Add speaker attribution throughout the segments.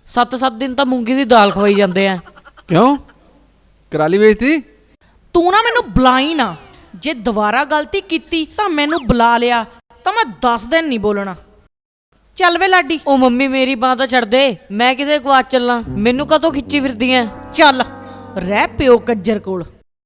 Speaker 1: 7-7 दिन ਤਾਂ ਮੂੰਗੀ ਦੀ ਦਾਲ ਖਵਾਈ ਜਾਂਦੇ ਆ।
Speaker 2: ਕਿਉਂ ਕਰਾਲੀ ਵੇਚਤੀ?
Speaker 3: ਤੂੰ ਨਾ ਮੈਨੂੰ ਬੁਲਾਈ ਨਾ, ਜੇ ਦੁਬਾਰਾ ਗਲਤੀ ਕੀਤੀ ਤਾਂ ਮੈਨੂੰ ਬੁਲਾ ਲਿਆ ਤਾਂ ਮੈਂ 10 ਦਿਨ ਨਹੀਂ ਬੋਲਣਾ। ਚੱਲ ਵੇ ਲਾਡੀ।
Speaker 1: ਉਹ ਮੰਮੀ ਮੇਰੀ ਬਾਂਹ ਤਾਂ ਛੱਡ ਦੇ, ਮੈਂ ਕਿਤੇ ਗਵਾਚ ਚੱਲਾਂ, ਮੈਨੂੰ ਕਦੋਂ ਖਿੱਚੀ ਫਿਰਦੀ ਐ?
Speaker 3: ਚੱਲ ਰਹਿ ਪਿਓ ਕੱਜਰ ਕੋਲ।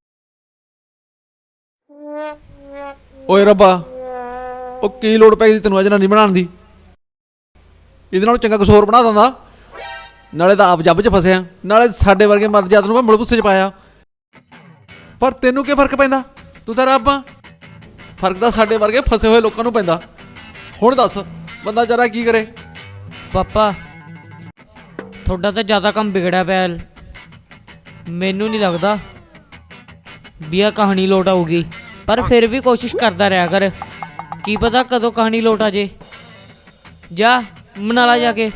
Speaker 2: ਓਏ ਰੱਬਾ, ਉਹ ਕੀ ਲੋੜ ਪੈ ਗਈ ਤੈਨੂੰ ਅਜਨਾ ਨਹੀਂ ਬਣਾਉਣ ਦੀ? ਇਹਦੇ ਨਾਲ ਚੰਗਾ ਕੁਛ ਹੋਰ ਬਣਾ ਦਿੰਦਾ। ਨਾਲੇ ਤਾਂ ਆਪ ਜੱਬ 'ਚ ਫਸਿਆ, ਨਾਲੇ ਸਾਡੇ ਵਰਗੇ ਮਰ ਜਾਤ ਨੂੰ ਮੈਂ ਮੁਲਬੁੱਸੇ 'ਚ ਪਾਇਆ। ਪਰ ਤੈਨੂੰ ਕੀ ਫਰਕ ਪੈਂਦਾ? ਤੂੰ ਤਾਂ ਰੱਬ ਆ। ਫਰਕ ਤਾਂ ਸਾਡੇ ਵਰਗੇ ਫਸੇ ਹੋਏ ਲੋਕਾਂ ਨੂੰ ਪੈਂਦਾ। ਹੁਣ ਦੱਸ ਬੰਦਾ ਜਰਾ ਕੀ ਕਰੇ?
Speaker 1: ਪਾਪਾ ਤੁਹਾਡਾ ਤਾਂ ਜ਼ਿਆਦਾ ਕੰਮ ਵਿਗੜਿਆ ਪਿਆ। ਮੈਨੂੰ ਨਹੀਂ ਲੱਗਦਾ ਵੀ ਆਹ ਕਹਾਣੀ ਲੋਟ ਆਊਗੀ, ਪਰ ਫਿਰ ਵੀ ਕੋਸ਼ਿਸ਼ ਕਰਦਾ ਰਿਹਾ ਕਰ, ਕੀ ਪਤਾ ਕਦੋਂ ਕਹਾਣੀ ਲੋਟ ਆ ਜੇ। ਜਾ ਮਨਾਲਾ ਜਾ ਕੇ।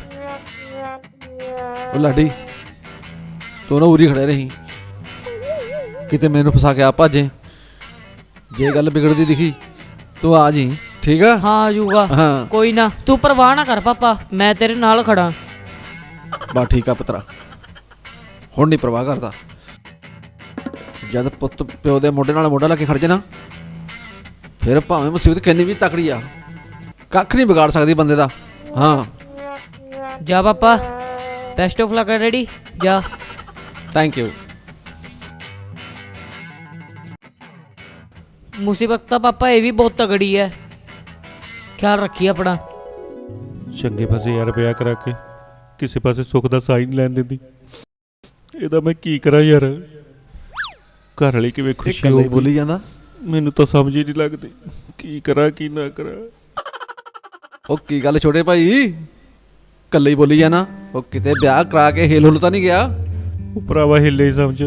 Speaker 2: ਉਹ ਲਾਡੀ ਤੂੰ ਨਾ ਉਰੀ ਖੜੇ ਰਹੀ, ਕਿਤੇ ਮੈਨੂੰ ਫਸਾ ਕੇ ਆ ਭਾਜੇ। ਜੇ ਗੱਲ ਵਿਗੜਦੀ ਦਿਖੀ ਤੂੰ ਆ ਜੀ, ਠੀਕ ਆ?
Speaker 1: ਹਾਂ ਆ ਜਾਊਗਾ।
Speaker 2: ਹਾਂ
Speaker 1: ਕੋਈ ਨਾ, ਤੂੰ ਪਰਵਾਹ ਨਾ ਕਰ ਪਾਪਾ, ਮੈਂ ਤੇਰੇ ਨਾਲ ਖੜਾ।
Speaker 2: ਬਸ ਠੀਕ ਆ ਪੁੱਤਰਾ, ਹੁਣ ਨਹੀਂ ਪਰਵਾਹ ਕਰਦਾ। ਜਦ ਪੁੱਤ ਪਿਓ ਦੇ ਮੋਢੇ ਨਾਲ ਮੋਢਾ ਲਾ ਕੇ ਖੜ ਜੇ ਨਾ, ਫਿਰ ਭਾਵੇਂ ਮੁਸੀਬਤ ਕਿੰਨੀ ਵੀ ਤਕੜੀ ਆ, ਕੱਖ ਨਹੀਂ ਵਿਗਾੜ ਸਕਦੀ ਬੰਦੇ ਦਾ। ਹਾਂ
Speaker 1: ਜਾ ਪਾਪਾ, ਬੈਸਟ ਆਫ ਲੱਕ। ਰੈਡੀ? ਜਾ।
Speaker 2: Thank you.
Speaker 1: ਮੁਸੀਬਤ ਤਾਂ ਪਾਪਾ ਇਹ ਵੀ ਬਹੁਤ ਤਗੜੀ ਹੈ, ਖਿਆਲ ਰੱਖੀ ਆਪਣਾ।
Speaker 4: ਚੰਗੇ ਪਾਸੇ ਯਾਰ ਵਿਆਹ ਕਰਾ ਕੇ ਕਿਸੇ ਪਾਸੇ ਸੁੱਖ ਦਾ ਸਾਈਨ ਲੈਣ ਦਿੰਦੀ। ਇਹਦਾ ਮੈਂ ਕੀ ਕਰਾਂ ਯਾਰ? ਘਰ ਵਾਲੀ ਕਿਵੇਂ ਖੁਸ਼ੀ
Speaker 2: ਇਕੱਲੇ
Speaker 4: ਹੋਊਗੀ?
Speaker 2: ਬੋਲੀ ਜਾਂਦਾ।
Speaker 4: ਮੈਨੂੰ ਤਾਂ ਸਮਝ ਹੀ ਨਹੀਂ ਲੱਗਦੀ ਕੀ ਕਰਾਂ ਕੀ ਨਾ ਕਰਾਂ।
Speaker 2: ਉਹ ਕੀ ਗੱਲ ਛੋਟੇ ਭਾਈ, ਇਕੱਲੇ ਹੀ ਬੋਲੀ ਜਾਣਾ? ਉਹ ਕਿਤੇ ਵਿਆਹ ਕਰਾ ਕੇ ਹਿਲ ਹੁਲ ਤਾਂ ਨਹੀਂ ਗਿਆ?
Speaker 4: ਉਹ ਭਰਾਵਾ ਹਿੱਲੇ ਹੀ ਸਮਝ।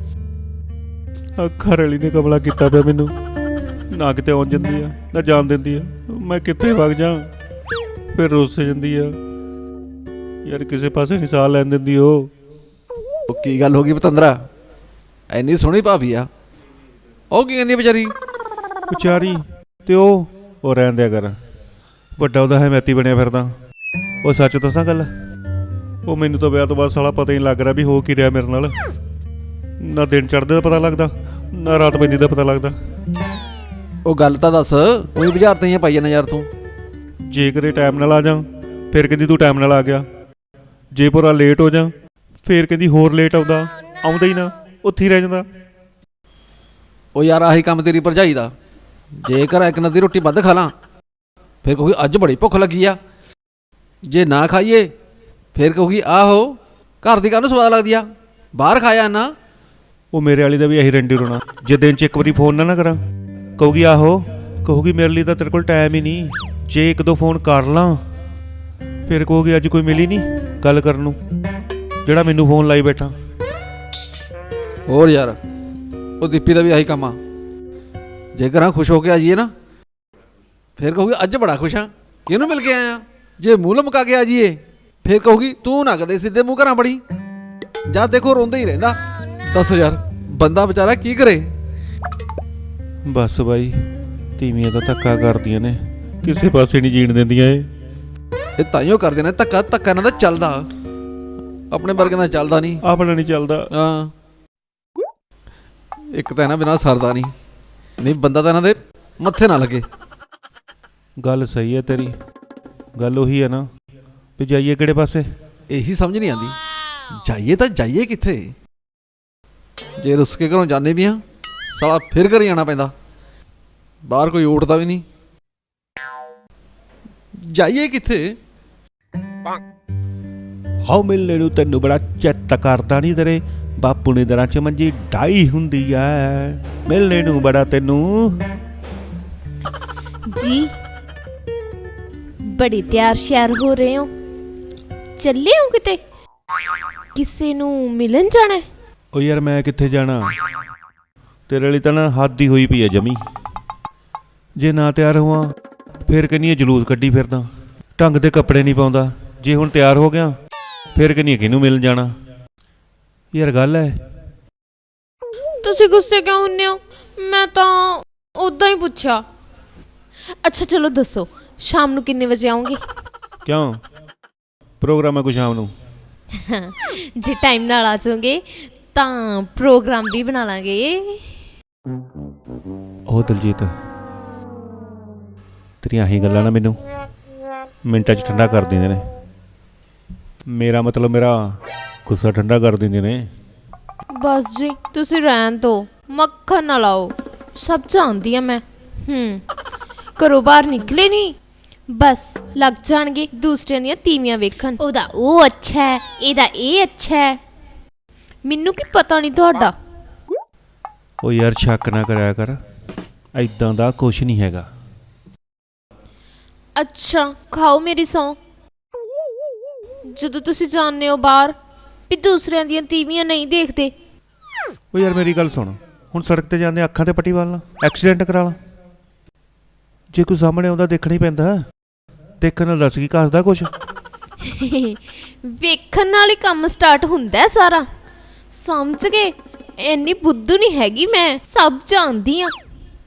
Speaker 4: ਆ ਘਰ ਵਾਲੀ ਨੇ ਕਮਲਾ ਕੀਤਾ ਪਿਆ ਮੈਨੂੰ, ਨਾ ਕਿਤੇ ਆਉਣ ਜਾਂਦੀ ਆ ਨਾ ਜਾਣ ਦਿੰਦੀ ਆ। ਮੈਂ ਕਿੱਥੇ ਵਗ ਜਾ, ਫਿਰ ਰੁੱਸ ਜਾਂਦੀ ਆ ਯਾਰ, ਕਿਸੇ ਪਾਸੇ ਨਹੀਂ ਸਾਹ ਲੈਣ ਦਿੰਦੀ ਉਹ।
Speaker 2: ਉਹ ਕੀ ਗੱਲ ਹੋ ਗਈ ਪਤੰਦਰਾ, ਐਨੀ ਸੋਹਣੀ ਭਾਬੀ ਆ, ਉਹ ਕੀ ਕਹਿੰਦੀ ਵਿਚਾਰੀ?
Speaker 4: ਵਿਚਾਰੀ ਤੇ ਉਹ ਰਹਿਣ ਦਿਆ ਕਰ, ਵੱਡਾ ਉਹਦਾ ਹਮੈਤੀ ਬਣਿਆ ਫਿਰਦਾ। ਉਹ ਸੱਚ ਦੱਸਾਂ ਗੱਲ, ਉਹ ਮੈਨੂੰ ਤਾਂ ਵਿਆਹ ਤੋਂ ਬਾਅਦ ਸਾਲਾ ਪਤਾ ਹੀ ਨਹੀਂ ਲੱਗ ਰਿਹਾ ਵੀ ਹੋ ਕੀ ਰਿਹਾ ਮੇਰੇ ਨਾਲ। ਨਾ ਦਿਨ ਚੜ੍ਹਦੇ ਦਾ ਪਤਾ ਲੱਗਦਾ, ਨਾ ਰਾਤ ਪੈਂਦੀ ਦਾ ਪਤਾ ਲੱਗਦਾ।
Speaker 2: ਉਹ ਗੱਲ ਤਾਂ ਦੱਸ, ਉਹੀ ਬੁਝਾਰਤਾਂ ਹੀ ਪਾਈ ਜਾਂਦਾ ਯਾਰ ਤੂੰ।
Speaker 4: ਜੇ ਕਰੇ ਟਾਈਮ ਨਾਲ ਆ ਜਾ, ਫਿਰ ਕਹਿੰਦੀ ਤੂੰ ਟਾਈਮ ਨਾਲ ਆ ਗਿਆ। ਜੇ ਪੂਰਾ ਲੇਟ ਹੋ ਜਾ, ਫਿਰ ਕਹਿੰਦੀ ਹੋਰ ਲੇਟ ਆਉਂਦਾ ਹੀ ਨਾ, ਉੱਥੇ ਹੀ ਰਹਿ ਜਾਂਦਾ।
Speaker 2: ਉਹ ਯਾਰ ਆਹੀ ਕੰਮ ਤੇਰੀ ਭਰਜਾਈ ਦਾ। ਜੇਕਰ ਇੱਕ ਨਦੀ ਰੋਟੀ ਵੱਧ ਖਾ ਲਾਂ, ਫਿਰ ਕਹੂਗੀ ਅੱਜ ਬੜੀ ਭੁੱਖ ਲੱਗੀ ਆ। ਜੇ ਨਾ ਖਾਈਏ ਫਿਰ ਕਹੂਗੀ ਆਹੋ ਘਰ ਦੀ ਕਾਹਨੂੰ ਸਵਾਦ ਲੱਗਦੀ ਆ, ਬਾਹਰ ਖਾਇਆ ਨਾ।
Speaker 4: ਉਹ ਮੇਰੇ ਵਾਲੀ ਦਾ ਵੀ ਇਹੀ ਰੰਡੀ ਰੋਣਾ। ਜੇ ਦਿਨ 'ਚ ਇੱਕ ਵਾਰੀ ਫੋਨ ਨਾ ਕਰਾਂ, ਕਹੂਗੀ ਆਹੋ, ਕਹੂਗੀ ਮੇਰੇ ਲਈ ਤਾਂ ਤੇਰੇ ਕੋਲ ਟਾਈਮ ਹੀ ਨਹੀਂ। ਜੇ ਇੱਕ ਦੋ ਫੋਨ ਕਰ ਲਾਂ, ਫਿਰ ਕਹੂਗੀ ਅੱਜ ਕੋਈ ਮਿਲੀ ਨਹੀਂ ਗੱਲ ਕਰਨ ਨੂੰ, ਜਿਹੜਾ ਮੈਨੂੰ ਫੋਨ ਲਾਈ ਬੈਠਾ।
Speaker 2: ਹੋਰ ਯਾਰ ਉਹ ਦੀਪੀ ਦਾ ਵੀ ਆਹੀ ਕੰਮ ਆ। ਜੇਕਰ ਹਾਂ ਖੁਸ਼ ਹੋ ਕੇ ਆ ਜਾਈਏ ਨਾ, ਫਿਰ ਕਹੂਗੀ ਅੱਜ ਬੜਾ ਖੁਸ਼ ਹਾਂ, ਕਿਹਨੂੰ ਮਿਲ ਕੇ ਆਇਆ। ਜੇ ਮੂੰਹ ਲਮਕਾ ਕੇ ਆ ਜਾਈਏ, ਫਿਰ ਕਹੂਗੀ ਤੂੰ ਨਾ ਕਦੇ ਸਿੱਧੇ ਮੂੰਹ ਘਰਾਂ ਬੜੀ। ਜਦ ਦੇਖੋ ਰੋਂਦਾ ਹੀ ਰਹਿੰਦਾ। ਦੱਸ ਯਾਰ ਬੰਦਾ ਵਿਚਾਰਾ ਕੀ ਕਰੇ?
Speaker 4: ਬਸ ਬਾਈ, ਤੀਵੀਆਂ ਤਾਂ ਧੱਕਾ ਕਰਦੀਆਂ ਨੇ, ਕਿਸੇ ਪਾਸੇ ਨਹੀਂ ਜੀਣ ਦਿੰਦੀਆਂ
Speaker 2: ਇਹ ਤਾਈਓ ਕਰਦੇ ਨੇ ਧੱਕਾ। ਧੱਕਾ ਇਹਨਾਂ ਦਾ ਚੱਲਦਾ, ਆਪਣੇ ਵਰਗੇ ਦਾ ਚੱਲਦਾ ਨਹੀਂ।
Speaker 4: ਆਪਣਾ ਨਹੀਂ ਚੱਲਦਾ।
Speaker 2: ਹਾਂ ਇੱਕ ਤਾਂ ਇਹਨਾਂ ਬਿਨਾਂ ਸਰਦਾ ਨਹੀਂ ਬੰਦਾ ਤਾਂ ਇਹਨਾਂ ਦੇ ਮੱਥੇ ਨਾ ਲੱਗੇ।
Speaker 4: ਗੱਲ ਸਹੀ ਹੈ ਤੇਰੀ, ਗੱਲ ਉਹੀ ਹੈ ਨਾ ਵੀ ਜਾਈਏ ਕਿਹੜੇ ਪਾਸੇ?
Speaker 2: ਇਹੀ ਸਮਝ ਨਹੀਂ ਆਉਂਦੀ, ਜਾਈਏ ਤਾਂ ਜਾਈਏ ਕਿੱਥੇ? ਜੇ ਰੁੱਸ ਕੇ ਘਰੋਂ ਜਾਂਦੇ ਵੀ ਆ, ਸਾਲਾ ਫਿਰ ਘਰੇ ਆਉਣਾ ਪੈਂਦਾ, ਬਾਹਰ ਕੋਈ ਉੱਠਦਾ ਵੀ ਨਹੀਂ। ਜਾਈਏ ਕਿੱਥੇ?
Speaker 4: ਹਾਉ ਮਿਲਣੇ ਨੂੰ ਤੈਨੂੰ ਬੜਾ ਚਿੱਤ ਕਰਦਾ ਨਹੀਂ, ਤੇਰੇ ਬਾਪੂ ਨੇ ਦਰਾਂ 'ਚ ਮੰਜੀ ਢਾਈ ਹੁੰਦੀ ਐ, ਮਿਲਣੇ ਨੂੰ ਬੜਾ ਤੈਨੂੰ।
Speaker 5: ਜੀ ਬੜੇ ਤਿਆਰ ਸ਼ਿਆਰ ਹੋ ਰਹੇ ਹੋ, ਚੱਲੇ ਹੋ ਕਿਤੇ? ਕਿਸੇ ਨੂੰ ਮਿਲਣ ਜਾਣਾ?
Speaker 4: ਉਹ ਯਾਰ ਮੈਂ ਕਿੱਥੇ ਜਾਣਾ, ਤੇਰੇ ਲਈ ਤਾਂ ਨਾ ਹੱਦ ਹੀ ਹੋਈ ਪਈ ਐ ਜਮੀ। ਜੇ ਨਾ ਤਿਆਰ ਹੋਵਾਂ ਫਿਰ ਕਹਿੰਦੀ ਐ ਜਲੂਸ ਕੱਢੀ ਫਿਰਦਾ, ਢੰਗ ਦੇ ਕੱਪੜੇ ਨਹੀਂ ਪਾਉਂਦਾ। ਜੇ ਹੁਣ ਤਿਆਰ ਹੋ ਗਿਆ ਫਿਰ ਕਹਿੰਦੀ ਐ ਕਿਹਨੂੰ ਮਿਲਣ ਜਾਣਾ। ਯਾਰ ਗੱਲ ਐ।
Speaker 5: ਤੁਸੀਂ ਗੁੱਸੇ ਕਿਉਂ ਹੁੰਨੇ ਹੋ? ਮੈਂ ਤਾਂ ਉਦਾਂ ਹੀ ਪੁੱਛਿਆ। ਅੱਛਾ ਚਲੋ ਦੱਸੋ, ਸ਼ਾਮ ਨੂੰ ਕਿੰਨੇ ਵਜੇ ਆਉਂਗੇ?
Speaker 4: ਕਿਉਂ ਪ੍ਰੋਗਰਾਮ ਹੈ ਕੋਈ ਸ਼ਾਮ ਨੂੰ?
Speaker 5: ਜੇ ਟਾਈਮ ਨਾਲ ਆ ਜਾਓਗੇ ਤਾਂ ਪ੍ਰੋਗਰਾਮ ਵੀ ਬਣਾ ਲਾਂਗੇ।
Speaker 4: ਉਹ ਦਲਜੀਤ, ਤੇਰੀਆਂ ਆਹੀ ਗੱਲਾਂ ਨਾ ਮੈਨੂੰ ਮਿੰਟਾਂ 'ਚ ਠੰਡਾ ਕਰ ਦਿੰਦੇ ਨੇ। ਮੇਰਾ ਮਤਲਬ ਮੇਰਾ ਗੁੱਸਾ ਠੰਡਾ ਕਰ ਦਿੰਦੇ ਨੇ।
Speaker 5: ਬਸ ਜੀ ਤੁਸੀਂ ਰਹਿਣ ਦਿਓ, ਮੱਖਣ ਨਾ ਲਾਓ, ਸਭ ਜਾਣਦੀ ਆ ਮੈਂ। ਘਰੋਂ ਬਾਹਰ ਨਿਕਲੇ ਨਹੀਂ ਬਸ ਲੱਗ ਜਾਣਗੇ ਦੂਸਰਿਆਂ ਦੀਆਂ ਤੀਵੀਆਂ ਵੇਖਣ। ਉਹਦਾ ਉਹ ਅੱਛਾ ਹੈ, ਇਹਦਾ ਇਹ ਅੱਛਾ ਹੈ, ਮੈਨੂੰ ਕੀ ਪਤਾ ਨਹੀਂ ਤੁਹਾਡਾ।
Speaker 4: ਉਹ ਯਾਰ ਸ਼ੱਕ ਨਾ ਕਰਿਆ ਕਰ, ਐਦਾਂ ਦਾ ਕੁਛ ਨਹੀਂ ਹੈਗਾ।
Speaker 5: ਅੱਛਾ ਖਾਓ ਮੇਰੀ ਸੌਂ। ਜਦੋਂ ਤੁਸੀਂ ਜਾਣਦੇ ਹੋ ਬਾਹਰ ਵੀ ਦੂਸਰਿਆਂ ਦੀਆਂ ਤੀਵੀਆਂ ਨਹੀਂ ਦੇਖਦੇ।
Speaker 4: ਉਹ ਯਾਰ ਮੇਰੀ ਗੱਲ ਸੁਣ, ਹੁਣ ਸੜਕ ਤੇ ਜਾਂਦੇ ਅੱਖਾਂ ਤੇ ਪੱਟੀ ਵਾਲ ਲਾ, ਐਕਸੀਡੈਂਟ ਕਰਾ ਲਾ। ਜੇ ਕੋਈ ਸਾਹਮਣੇ ਆਉਂਦਾ ਦੇਖਣਾ ਹੀ ਪੈਂਦਾ। ਦੇਖਣ ਨਾਲ ਦੱਸ ਕੀ ਘਸਦਾ ਕੁਛ।
Speaker 5: ਵੇਖਣ ਨਾਲ ਹੀ ਕੰਮ ਸਟਾਰਟ ਹੁੰਦਾ ਹੈ ਸਾਰਾ, ਸਮਝ ਗਏ? ਇੰਨੀ ਬੁੱਧੂ ਨਹੀਂ ਹੈਗੀ ਮੈਂ, ਸਭ ਜਾਣਦੀ ਆ।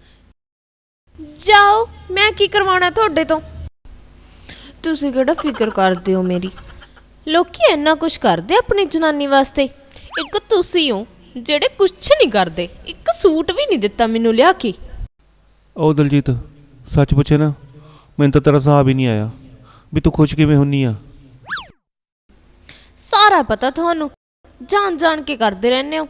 Speaker 5: ਜਾਓ, ਮੈਂ ਕੀ ਕਰਵਾਉਣਾ ਤੁਹਾਡੇ ਤੋਂ। ਤੁਸੀਂ ਕਿਹੜਾ ਫਿਕਰ ਕਰਦੇ ਹੋ ਮੇਰੀ। ਲੋਕੀ ਇੰਨਾ ਕੁਝ ਕਰਦੇ ਆਪਣੀ ਜਨਾਨੀ ਵਾਸਤੇ, ਇੱਕ ਤੁਸੀਂ ਹੋ ਜਿਹੜੇ ਕੁਝ ਨਹੀਂ ਕਰਦੇ। ਇੱਕ ਸੂਟ ਵੀ ਨਹੀਂ ਦਿੱਤਾ ਮੈਨੂੰ ਲਿਆ ਕੇ।
Speaker 4: ਉਹ ਦਲਜੀਤ ਸੱਚ ਪੁੱਛੇ ਨਾ, ਮੈਨੂੰ ਤਾਂ ਤੇਰਾ ਹਿਸਾਬ ਹੀ ਨਹੀਂ ਆਇਆ ਵੀ ਤੂੰ ਖੁਸ਼ ਕਿਵੇਂ ਹੁੰਨੀ ਆ।
Speaker 5: ਸਾਰਾ ਪਤਾ ਤੁਹਾਨੂੰ, ਜਾਣ ਜਾਣ ਕੇ ਕਰਦੇ ਰਹਿੰਦੇ ਹੋ।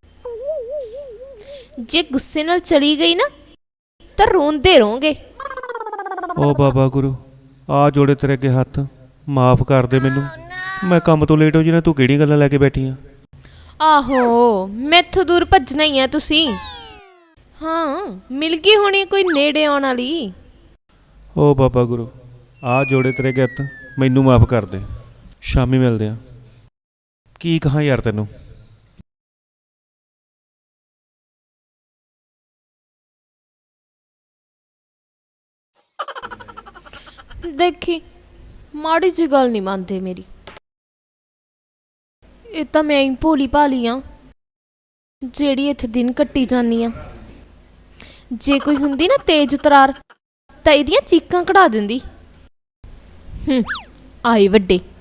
Speaker 5: ਜੇ ਗੁੱਸੇ ਨਾਲ ਚਲੀ ਗਈ ਨਾ ਤਾਂ ਰੋਂਦੇ ਰਹੋਗੇ।
Speaker 4: ਉਹ ਬਾਬਾ ਗੁਰੂ, ਆ ਜੋੜੇ ਤੇਰੇ ਅੱਗੇ ਹੱਥ, ਮਾਫ ਕਰ ਦੇ ਮੈਨੂੰ। ਮੈਂ ਕੰਮ ਤੋਂ ਲੇਟ ਹੋ ਜਾਣਾ, ਤੂੰ ਕਿਹੜੀਆਂ ਗੱਲਾਂ ਲੈ ਕੇ ਬੈਠੀ ਆ।
Speaker 5: ਆਹੋ ਮੈਥੋਂ ਦੂਰ ਭੱਜਣਾ ਹੀ ਆ ਤੁਸੀਂ। ਹਾਂ ਮਿਲ ਗਈ ਹੋਣੀ ਕੋਈ ਨੇੜੇ ਆਉਣ ਵਾਲੀ।
Speaker 4: ਉਹ ਬਾਬਾ ਗੁਰੂ, ਆ ਜੋੜੇ ਤੇਰੇ ਅੱਗੇ ਹੱਥ, ਮੈਨੂੰ ਮਾਫ ਕਰ ਦੇ। ਸ਼ਾਮੀ ਮਿਲਦੇ ਆ। ਕੀ ਕਹਾਂ ਯਾਰ ਤੈਨੂੰ।
Speaker 5: ਦੇਖੀ ਮਾੜੀ ਜਿਹੀ ਗੱਲ ਨਹੀਂ ਮੰਨਦੇ ਮੇਰੀ। ਇਹ ਤਾਂ ਮੈਂ ਹੀ ਭੋਲੀ ਭਾਲੀ ਆ ਜਿਹੜੀ ਇੱਥੇ ਦਿਨ ਕੱਟੀ ਜਾਂਦੀ ਆ। ਜੇ ਕੋਈ ਹੁੰਦੀ ਨਾ ਤੇਜ਼ ਤਰਾਰ ਤਾਂ ਇਹਦੀਆਂ ਚੀਕਾਂ ਕਢਾ ਦਿੰਦੀ। ਆਏ ਵੱਡੇ।